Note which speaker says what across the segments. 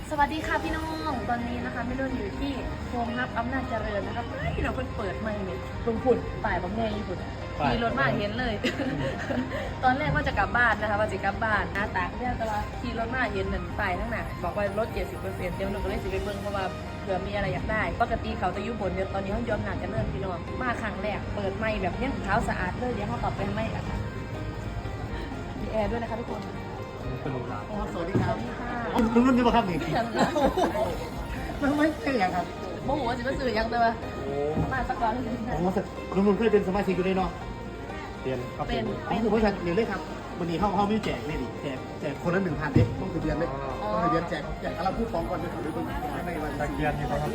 Speaker 1: สวัสดีค่ะพี่น้องตอนนี้นะคะไม่รู้อยู่ที่โฮมฮับอำนาจเจริญนะครับพี่เราเพิ่งเปิดใหม่เนี่ยลงฝุ่นป่ายบางแง่ญี่ปุ่นมีรถมาเห็นเลย ตอนแรกว่าจะกลับบ้านนะคะว่าจะกลับบ้านหน้าตาเนี่ยแต่ว่าขี่รถมาเห็นหนึ่งป่ายทั้งหนาบอกว่าลด 70%เดี๋ยวหนูก็เลยสิไปเบิ่งเพราะว่าเผื่อมีอะไรอยากได้ปกติเขาจะอยู่บนเดี๋ยวตอนนี้เขายอมหนาจะเริ่มพี่น้องมาครั้งแรกเปิดใหม่แบบยังเท้าสะอาดเลยเดี๋ยวเขาตอบเป็นไม่อะค่ะมีแอร์ด้วยนะคะทุกคน
Speaker 2: สวัสดีครับ
Speaker 1: ค่ะ
Speaker 2: รุ่นนี้ป่ะครับนี่ไม่ใช่อย่างครับ
Speaker 1: โมโหสิมาสื่อยังแต่ว่ามาสักก่อน
Speaker 2: ผมรุ่นเคยเป็นสมาชิกอยู่เลยเนาะ
Speaker 1: เป็น
Speaker 2: ผมบริษัทเรียนเลยครับวันนี้เขามีแจกนี่ดิแจกคนละ1,000เด็กต้องถือเดือนเลยต้องถือเดือนแจกอะไรผู้ฟ้องก่อนจะถือเป็นในวันตะเกียนนี่ครับ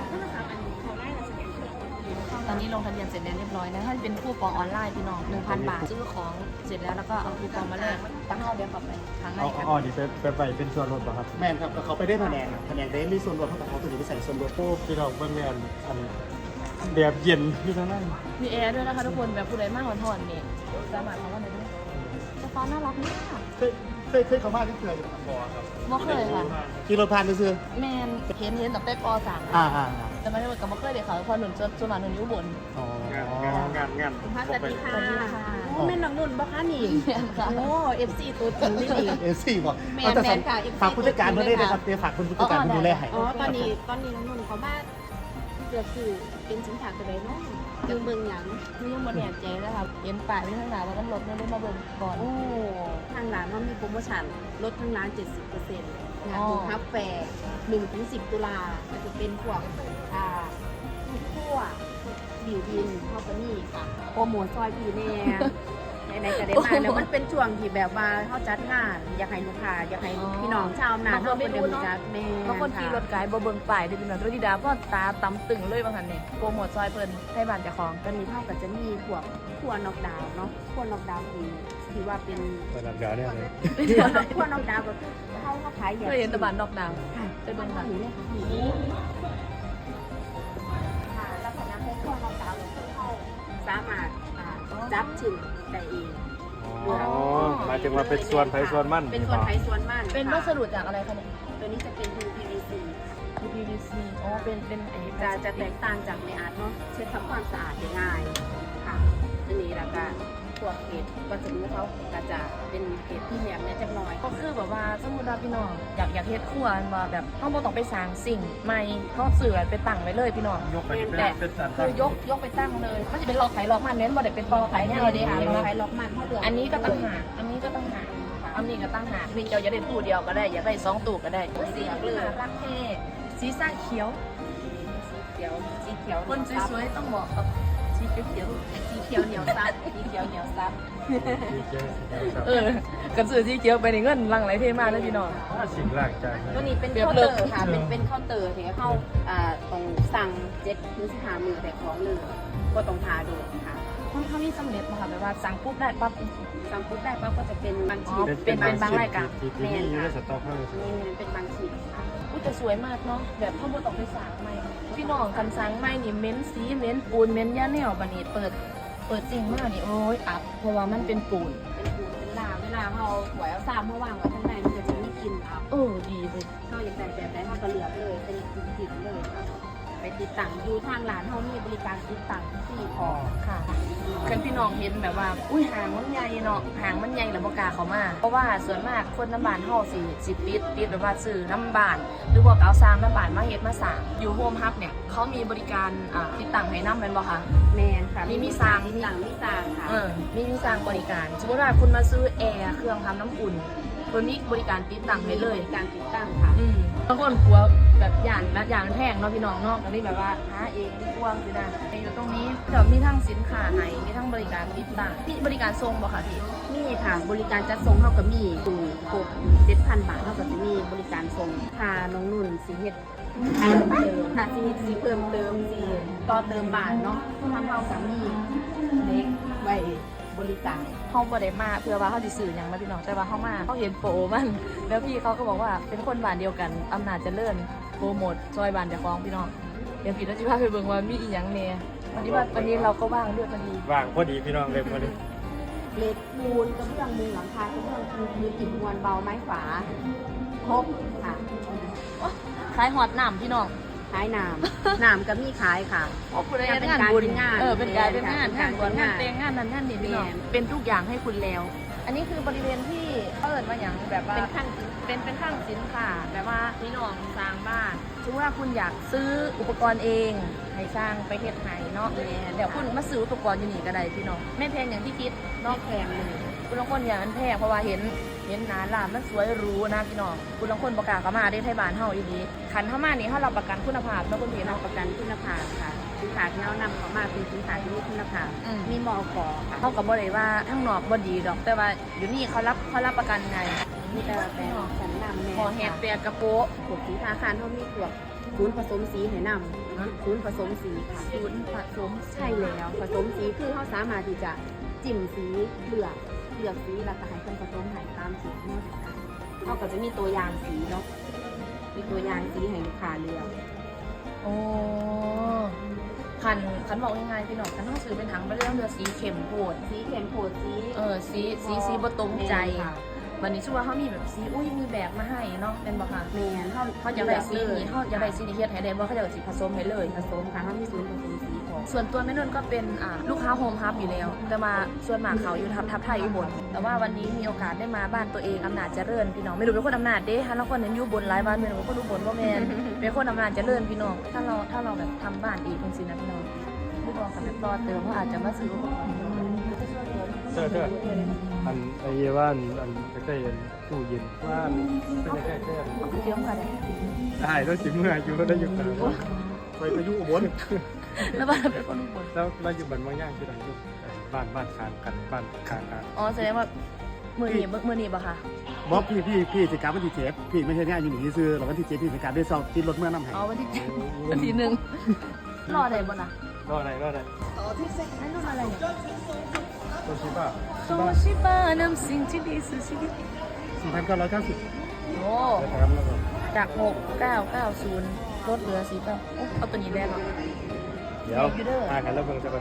Speaker 1: ตอนนี้ลงทะเบียนเสร็จแล้วเรียบร้อยนะถ้าเป็นคูปองออนไลน์พี่น้อง 1,000 บาทซื้อของเสร็จแล้วก็เอาคูปองมาแลกตั้งเอาเดี๋ยวกลับไปครั้งแรก
Speaker 3: อ๋อนี่ไปเป็นส่วนลดป่ะครับ
Speaker 2: แม่ครับเขาไปได้แผนกได้มีส่วนลดเท่ากับเขาตัวนี้ไปใส่ส่วนลด
Speaker 3: โอ้พี่เราเป็นงานอันแบบเย็นที่ทั้งนั้น
Speaker 1: มีแอร์ด้วยนะคะทุกคนแบบผู้ใดมากหอนๆนี่สามารถเขาว่าไหนได้เจ้าฟ้าน่ารักมาก
Speaker 2: เคยเขามาที่เคย
Speaker 1: บ่เคยค่ะ
Speaker 2: ขี่รถผ่านไปซื้อ
Speaker 1: แมนเห็นตั้งแต่ป .3 แต่ไม่ได้เหมือนกับบ่เคยเดี๋ยวเขาพอหนุนจนมาหนุนอยู่บน
Speaker 3: งาน
Speaker 4: สวัสดีค่ะ
Speaker 1: สวัสดีค่ะ
Speaker 4: โอ้แม่น้องนุ่นบ่คะนี่
Speaker 1: แม่นค่ะ
Speaker 4: โอ้เอฟซีตัวจริงนี่นี่
Speaker 2: FC บอก
Speaker 4: แมนค่ะ FC
Speaker 2: ฝากผู้จัดการเพื่อนได้นะครับเดี๋ยวฝากคุณผู้จัดการดูแลให้
Speaker 4: อ๋อตอนนี้น้องนุ่นเขามาเกือบคือเป็นสินค้าตัวใดเนาะยังเบิ่งหยัง
Speaker 1: นี่ยังบนแหนใจนะคะเห็นป้ายที่ข้างหน้าแล้วก็รถไม่ได้มาเบิ่งก่อน
Speaker 4: โอ้ทางร้านว่ามีโปรโมชั่นลดทั้งร้าน 70%งานดูฮับแฟร์1-10 ตุลาก็จะเป็นพวกคั่วบิวบินข้าวปนี่ค่ะโปรโมทซอยพี่แน่ในกระเด็นมาแล้วมันเป็นช่วงที่แบบว่าเขาจัดงานอยากให้ลูกค้าอยากให้พี่น้องชาวนาเขาเป็นเดิมจัดแม่
Speaker 1: บางคนขี่รถไกด์บ่เบิ่งป้ายได้เป็นแบบรถดีดาเพราะตาตำตึงเลยบางคันเนี่ยโปรโมทซอยเพิ่นให้บ้านเจ้าของ
Speaker 4: ตอนนี้เท่ากับจะมีพวกขั้วนอกดาวน์เนาะขั้วนอกดาวน์ที่ว่าเป็น
Speaker 3: ระดับเดียวเนี่ยเลย
Speaker 4: ขั้วนอกดาวน์ก็คือเขาขายอย่าง
Speaker 1: เคยเห็นแตะบานนอกดาวน์
Speaker 4: ค่ะ
Speaker 1: ไปเบิ่งค่ะ
Speaker 4: นี่เลยค่ะลักษณะของขั้วนอกดาวน์ก็คือเขาสามารถจับชิ้นได้เอง
Speaker 3: อ๋อหมายถึงว่าเป็นส่วนไผ่ส่วนมั่น
Speaker 4: เป็นส่วนไผ่ส่วนมัน
Speaker 1: เป็นวัสดุจากอะไรคะเนี่ย
Speaker 4: ตัวนี้จะเป็น PVC
Speaker 1: PVC อ๋อเป็นไอ้
Speaker 4: จะแตกต่างจากในอาร์ตเนาะเช็ดทำความสะอาดได้ง่ายค่ะอันนี้แล้วก็พวกเกล็ดวัสดุเขาก็จะเป็นเกล็ดที่แหลมเนี่ยจักหน่อย
Speaker 1: ก็คือแบบว่าสมมุติว่าพี่น้องอยากเฮ็ดครัวมาแบบเฮาบ่ต้องไปสร้างสิ่งใหม่เฮาซื้อไปตั้งไว้เลยพี่น้อง
Speaker 3: ยกไปเป็นสัน
Speaker 1: คือยกไปตั้งเลยมันจะเป็นล็อกไขล็อกมันเน้นบ่ได้เป็นตอไขแนวเด้ค่ะ
Speaker 4: ใช้ล็อกมันเท่าเดิม
Speaker 1: อันนี้ก็ตั้งหากอันนี้ก็ตั้งหากอันนี้ก็ตั้งหากนี่เจ้าอยากได้ตู้เดียวก็ได้อยากได้2ตู้ก็ได้สีเลยรักเท่สีส้าเขียว
Speaker 4: สีเขียว
Speaker 1: คนสวยๆต้องเหมาะกับสีเขียว
Speaker 4: สีเขียวเหนียวซับสีเขียวเหนียวซับ
Speaker 1: กระสือสีเขียวไปในเงินลังไหลเทมากเลยพี่น้อง
Speaker 3: สิ่งแรกใจ
Speaker 4: ตัวนี้เป็นเคาน์เตอร์ค่ะเป็นเคาน์เตอร์ที่เข้าตรงสั่ง7-15 มื้อแต่ของเลยก็ต้องทาโดนค่ะ
Speaker 1: เขามีสำเร็จมาค่ะแบบว่าสั่งปุ๊บได้ปั๊บ
Speaker 4: สั่งปุ๊บได้ปั๊บก็จะเป็นบางชิ้น
Speaker 1: เป็นบางรายการ
Speaker 3: ที่นี่อยู่ในสต็อกเท่านั้น
Speaker 4: นี่เป็นบางชิ้นค่ะ
Speaker 1: อุ้ยแต่สวยมากเนาะแบบข้าวบดออกไปสั่งใหม่พี่น้องคันสั่งใหม่นี่เม้นสีเม้นปูนเม้นย่าแนวบันนี้เปิดจริงมากนี่โอ้ยอับเพราะว่ามันเป็นปูน
Speaker 4: เป็นปูนเป็นลาเวลาเราหวยเอาซ้ำเมื่อวางไว้ข้างในมันก็จะมีกลิ่นอับ
Speaker 1: ดีเลย
Speaker 4: เขาอย่างแต่แบบไหนเขาก็เลือกเลยเป็นกลิ่นเลยค่ะไปติดตั้งอยู่ทางร้านเขามีบริการติดตั้งที่พอ
Speaker 1: ค่ะคันพี่น้องเห็นแบบว่าอุ้ยหางมันใหญ่เนาะหางมันใหญ่แล้วบ่กล้าเข้ามาเพราะว่าส่วนมากคนน้ำบานเฮาสิปิดแบบว่าซื้อน้ำบานหรือว่าเอาสร้างน้ำบานมาเฮ็ดมาสร้างอยู่โฮมฮับเนี่ยเขามีบริการติดตั้งให้น้ำแม่นบ่คะ
Speaker 4: แมนค่ะ
Speaker 1: มีสร้าง
Speaker 4: มีหลังมีสร้างค่ะ
Speaker 1: มีสร้างบริการสมมติว่าคุณมาซื้อแอร์เครื่องทำน้ำอุ่นคนนี้บริการติดตั้งให้เลย
Speaker 4: มีการติดตั้งค่ะ
Speaker 1: บางคนกลัวแบบอย่างแพงเนาะพี่น้องเนาะอันนี้แบบว่าหาเองดีกว่าคือนะอยู่ตรงนี้เดี๋ยวมีทั้งสินค้าให้มีทั้งบริการติดตั้งมีบริการส่งบ่คะพี่
Speaker 4: มีค่ะบริการจัดส่งเท่ากับมีถึง7,000 บาทเท่ากับจะมีบริการส่งค่ะน้องนุ่นสีเฮ็ดเพิ่มเติมค่ะสีเพิ่มเติมสีต่อเติมบาทเนาะทางเท่ากับมีเล็กไว้บริการ
Speaker 1: เขาบ่ได้มาเพื่อว่าเขาสิซื้อหยังนะพี่น้องแต่ว่าเขามาเขาเห็นโปรมันแล้วพี่เขาก็บอกว่าเป็นคนบ้านเดียวกันอำนาจเจริญโปรโมทซอยบ้านเจ้าของพี่น้องเดี๋ยวพี่เราจะพาไปเบิ่งว่ามีอีหยังแน่วันนี้เราก็ว่างด้วยพอดี
Speaker 3: ว่างพอดีพี่น้องเลยพอดี
Speaker 4: เหล็กปูนกระเบื้องมุงหลังคากระเบื้องปูนมือติดมวลเบาไม้ฝาครบค่ะ
Speaker 1: ขายหอดน้ำพี่น้อง
Speaker 4: ขายน้ำน้ำก็มีขายค่ะ
Speaker 1: โอ้คุณได้
Speaker 4: เป็น
Speaker 1: งาน
Speaker 4: การ
Speaker 1: บุญ
Speaker 4: เป็นงาน
Speaker 1: เป็นการเป็นงาน
Speaker 4: เป็น
Speaker 1: งา
Speaker 4: การ
Speaker 1: นบวช
Speaker 4: เป็น
Speaker 1: งาน
Speaker 4: งาน
Speaker 1: แต่งงานนั้นนั่นนี่พี่น้อง
Speaker 4: แม่น
Speaker 1: เป็นทุกอย่างให้คุณแล้ว อันนี้คือบริเวณที่เขาเอิญว่าอย่างแบบว่า
Speaker 4: เป็นขั้น
Speaker 1: เป็นข้างสินค่ะแบบว่าพี่น้องสร้างบ้านถือว่าคุณอยากซื้ออุปกรณ์เอง ให้สร้างไปเฮ็ดให้เนาะเดี๋ยวคุณมาซื้ออุปกรณ์อยู่นี่ก็ได้พี่น้องไม่แพงอย่างที่คิด
Speaker 4: นอ
Speaker 1: เนาะ
Speaker 4: กแพงเลย
Speaker 1: คุณลางคนอย่างนั้นแพงเพราะว่าเห็นหนาลานมันสวยหรูนะพี่น้องคุณลางคนประกล้าศเข้ามาได้ไทยบ้านเฮาอีดีขันเข้ามานี่เฮารับประกันคุณภาพเนาะคุณพี่
Speaker 4: เรา
Speaker 1: เนาะ
Speaker 4: ประกันคุณภาพค่ะสินค้าที่เรานำเข้ามาเป็นสินค้าที่มีคุณภาพ
Speaker 1: อืม
Speaker 4: มีมอกอค่ะ
Speaker 1: เขาก็บ่ได้ว่าทั้งนอกบ่ดีดอก แต่ว่าอยู่นี่เขารับประกันไง
Speaker 4: มีแต่แบรนด์ชั้นนำแม่
Speaker 1: หอแฮด
Speaker 4: ค่ะ
Speaker 1: เปียกระโปะ
Speaker 4: พวกสีทาคารเขามีพวกศูนย์ผสมสีให้นำศูนย์ผสมสีค่ะ
Speaker 1: ศูนย์ผสม
Speaker 4: ใช่แล้วผสมสีคือเขาสามารถที่จะจิ้มสีเลือกสีแล้วก็ให้คนผสมให้ตามสีที่เราต้องการเขาก็จะมีตัวอย่างสีเนาะมีตัวอย่างสีให้ลูกค้าเลือก
Speaker 1: โอ้ขันบอกยังไงพี่น้องขันต้องซื้อเป็นถังไปเรื่องเรือสีเข้มโพด
Speaker 4: สีเขียนโผดสี
Speaker 1: สีบ่ตรงใจ
Speaker 4: ค่ะ
Speaker 1: วันนี้ชื่อว่าเขามีแบบสีอุ้ยมีแบบมาให้เนาะเป็นบ่ค่ะ
Speaker 4: แมน
Speaker 1: เขาอยากได้สีนี้เขาอยากได้สีนี้เฮ็ดให้ได้บ่เขาอยากได้สีผสมให้เลย
Speaker 4: ผสมค่ะเขามีศูนย์ผสมสีของ
Speaker 1: ส่วนตัวแม่นุ่นก็เป็นลูกค้าโฮมฮับอยู่แล้ว แต่มาส่วนมากเขาอยู่ทับไทยอุบลแต่ว่าวันนี้มีโอกาสได้มาบ้านตัวเองอำนาจเจริญพี่น้องไม่รู้เป็นคนอำนาจเด้ฮะแล้วคนเห็นอยู่บนหลายบ้านเป็นคนอุบลว่าแมน เป็นคนอำนาจเจริญพี่น้องถ้าเราแบบทำบ้านเองจริงๆนะพี่น้องไม่บอกกันแบบต่อเติมเขาอาจจะมาซื้ออุปกรณ์
Speaker 3: เธออันไอ้เยว่าอันใกล้ๆตู้เย็นว่าเป็นใกล้ๆ
Speaker 1: เยอะค่ะเนี่ย
Speaker 3: ได้แล้วสิเมื่ออยู่ได้อยู่กัน
Speaker 2: ไปก็อยู่อุบล
Speaker 1: แล้วบ้านเป็นคนอุบล
Speaker 3: แล้วเราอยู่บ้านบางย่างที่ไหนอยู่บ้านข้างกันบ้านข้างกัน
Speaker 1: อ๋อแสดงว่ามือหนีบ่ค่ะ
Speaker 2: บอกพี่สิกลับวันที่7พี่ไม่ใช่เนี่ยอยู่หนีซื้อหรอกวันที่7พี่สิกลับได้ซอกติดรถเมื่อนำให้
Speaker 1: อ๋อวันที่วันที่หนึ่งรอได้บ่นะ
Speaker 3: รอไหน
Speaker 1: นั่นรุ่นอะไรเนี่ย
Speaker 3: ตัวชิบ้า
Speaker 1: โซชิบะนำสิ่งที่ดีสู่ชีวิต
Speaker 2: 4,990
Speaker 1: โอ้
Speaker 3: นะครับแล้วก็
Speaker 1: จาก6990ลดเหลือ4ป่ะเอาตัวนี้แรกก่อน
Speaker 3: เดี๋ยวอ่านกันแล้วเบิ่งซะก่อน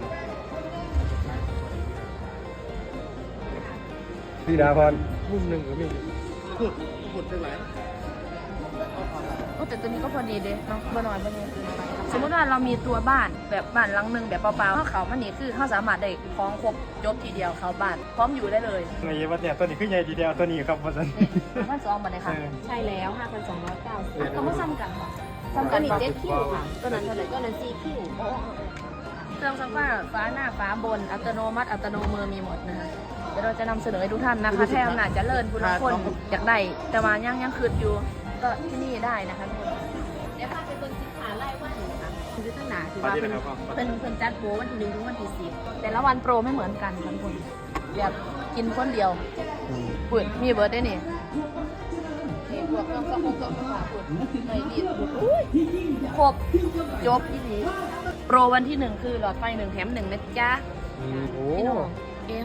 Speaker 3: พี่ดาพรมุมหนึ่งก็มี
Speaker 2: พูดจังไหน
Speaker 1: โอ้แต่ตัวนี้ก็พอดีเด้เนาะบ่น้อยบ่เยอะเกินไปสมมติว่าเรามีตัวบ้านแบบบ้านหลังหนึงแบบเปล่าๆเขามันนี่คือเขาสามารถได้คล้องครบจบทีเดียวเขาบ้านพร้อมอยู่ได้เลย
Speaker 3: ไอ้ว่าเนี่ยตัวนี้คือใหญ่ทีเดียวตัวนี้ครับว่าซั่น
Speaker 1: มันสองมาเลยค่ะ
Speaker 4: ใช่แล้ว 5,290
Speaker 1: เขาไม่ซ้ำกันค่ะ
Speaker 4: ตัวนี้7คิวค่ะตัวนั้นเท่าไหร่ตัวนั้น4คิว
Speaker 1: เครื่องซักผ้าฟ้าหน้าฟ้าบนอัตโนมัติอัตโนมือมีหมดนะคะเดี๋ยวเราจะนำเสนอให้ทุกท่านนะคะแท้อำนาจเจริญผู้ละคนอยากได้แต่ว่ายังคืดอยู่ก็ที่นี่ได้นะคะทุกคน
Speaker 4: เดี๋ยวพาไปเบิ่งสินค้าไล่ว่าอยู่ค่ะคือตั้งหนาคือว่าเป็นจัดโปรวันที่1ถึงวันที่10
Speaker 1: แต่ละวันโปรไม่เหมือนกันค่ะทุกคนแบบกินคนเดียวปุ่นมีเบิร์ดได้นี่นี่บวกเครื่องซักผ้าปุ่นไม่รีดอุ้ยครบจบที่นี้โปรวันที่1คือหลอดไฟ1แถม1นะจ๊ะ
Speaker 3: โอ้
Speaker 1: พี่น้อง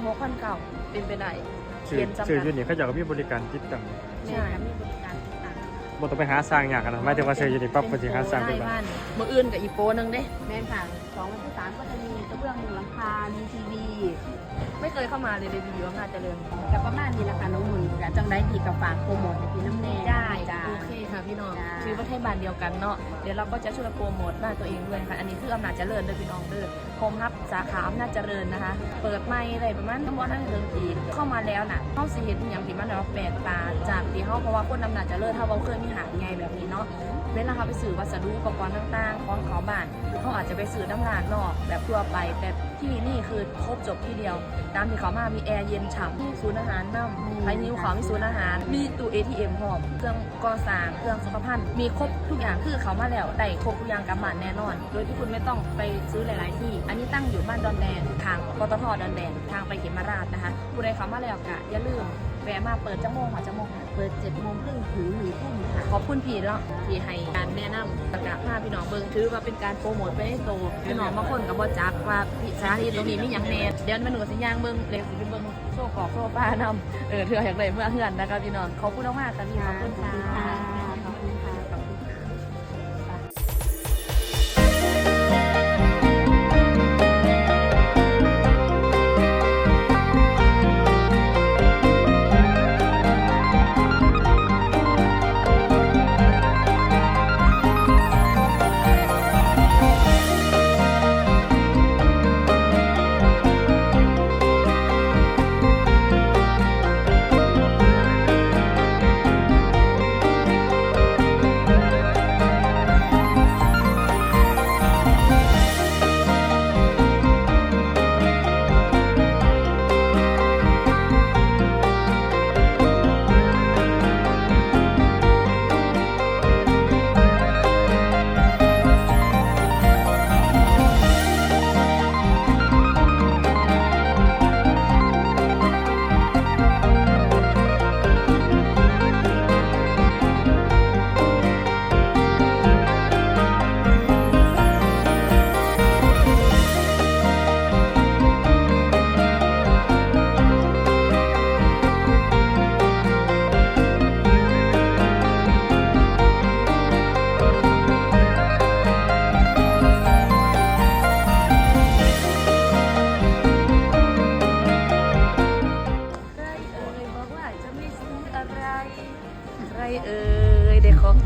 Speaker 1: A6,900เป็นไปได้
Speaker 3: ชื่
Speaker 1: เรียนจำ
Speaker 3: อ
Speaker 1: กัด
Speaker 3: อยู่นี่เขาจะมีบริการติดตั้ง
Speaker 1: ใช่
Speaker 4: มีบริการต่าง
Speaker 3: บ่ต้องไปหาสร้างอย่างกันนะหมายถึงว่าซื้ออยู่นี่ปั๊บก็สิหาสร้างได้
Speaker 1: ได้
Speaker 3: บ้า
Speaker 1: บ้าน นมืออื่นกับอีโปนึงเด้
Speaker 4: ๆแม่นค่ะ2วันที่3ก็จะมีกระเบื้องมุงหลังคา มีทีวี
Speaker 1: ไม่เคยเข้ามาเลยรีวิวอำนาจเจริญ
Speaker 4: กับประมาณนี้ละค่ะน้องมุนกับจังได้ดีกับฝากโปรโมทในพี่น้ำแน่
Speaker 1: ได้
Speaker 4: จ้า
Speaker 1: โอเคค่ะพี่น้อง
Speaker 4: จ้า
Speaker 1: คือประเทศบ้านเดียวกันเนาะเดี๋ยวเราก็จะช่วยโปรโมทบ้านตัวเองด้วยค่ะอันนี้คืออำนาจเจริญเด้อพี่น้องเด้อโฮมฮับสาขาอำนาจเจริญนะคะ เปิดไม่อะไรประมาณทั้งหมดนั่นเรื่องปีเข้ามาแล้วน่ะเข้าสิเห็นอย่างที่มันแบบแปลกตาจากที่เขาเพราะว่าคนอำนาจเจริญถ้าเราเคยมีหาดใหญ่แบบนี้เนาะเวลาเขาไปซื้อวัสดุอุปกรณ์ต่างๆของเขาบ้านเขาอาจจะไปซื้อน้ำร้านนอกแบบทั่วไปแต่ที่นี่คือครบจบที่เดียวตามที่เขามามีแอร์เย็นฉ่ำมีศูนย์อาหารน้ำไทยนิ้วเขามีศูนย์อาหารมีตู้ ATM พร้อมเครื่องก่อสร้างเครื่องสุขภัณฑ์มีครบทุกอย่างคือเขามาแล้วได้ครบทุกอย่างกำมันแน่นอน โดยที่คุณไม่ต้องไปซื้อหลายๆที่ อันนี้ตั้งอยู่บ้านดอนแดงทางปตทดอนแดงทางไปเขมราชนะคะผู้ใดเขามาแล้วก็อย่าลืมแวะมาเปิดจังโมงค่ะจังโมง
Speaker 4: เปิด7 โมงครึ่งถึง1 ทุ่มค่ะ
Speaker 1: ขอบคุณพี่เนาะที่ให้การแนะนำประกาศภาพพี่น้องเบิ่งถือว่าเป็นการโปรโมทไปให้โตพี่น้องบางคนก็บ่จักว่าพี่สาธิตตรงนี้มีหยังแน่เดี๋ยวมันหนูสิย่างเบิ่งเลยสิไปเบิ่งโซ่กอกโซ่ป้านำเถื่ออยากได้เมื่อเฮือนนะคะพี่น้องขอบคุณมากๆค่ะพี่ขอบคุณค่ะ
Speaker 4: ขอบคุณค่ะ ขอบคุณค่ะ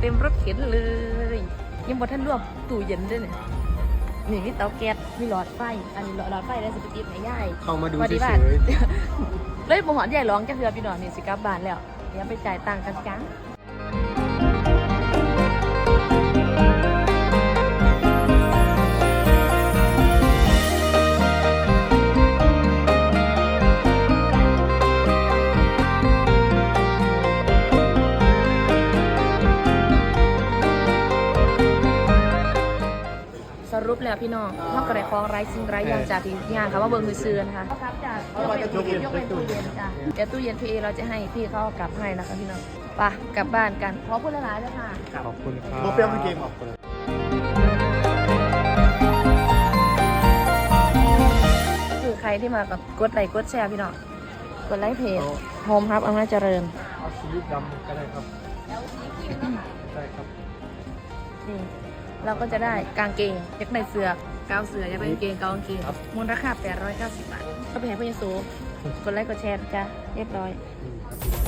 Speaker 1: เต็มรถเข็นเลยยังบ่ทันรวมตู้เย็นด้วยเนี่ยนี่มีเตาแก๊สมีหลอดไฟอันนี้หลอดไฟได้สิไปติดให้ยาย
Speaker 3: เข้ามาดู
Speaker 1: พอ
Speaker 3: เฉ
Speaker 1: ดี
Speaker 3: ย
Speaker 1: บ้าน เลยบ่หอดใหญ่ร้องจักเทื่อพี่น้องนี่สิกลับบ้านแล้วเดี๋ยวไปจ่ายตังค์กันจ้าสรุปแล้วพี่น้องนอกจากได้ของไร้สิ่งไร้อย่างจากที่งานค่ะว่าเบิ่งมือซื้อนะคะครับจากยกเป็นตู้เย็นจ้ะเดี๋ยวตู้เย็นพี่เอเราจะให้พี่เขาเอากลับให้นะคะพี่น้องไปกลับบ้านกันขอพูดหลายๆเลยค่ะ
Speaker 3: ขอบคุณครับ
Speaker 2: โมเปรี้ยวไม่เกม
Speaker 3: ขอบคุณ
Speaker 1: คือใครที่มากับกดไลค์กดแชร์พี่น้องกดไลค์เพจโฮมครับอำนาจเจริญ
Speaker 3: เอาสีดำก็ได้ครับได้ครับ
Speaker 1: นี่เราก็จะได้กางเกงอยากได้เสื้อกาวเสื้ออยากได้กางเกงกาวกางเกงมูลราคา890 บาทก็ไปให้พ่อเยซูกดไลค์กดแชร์จ้ะเรียบร้อย
Speaker 3: นี่ครับ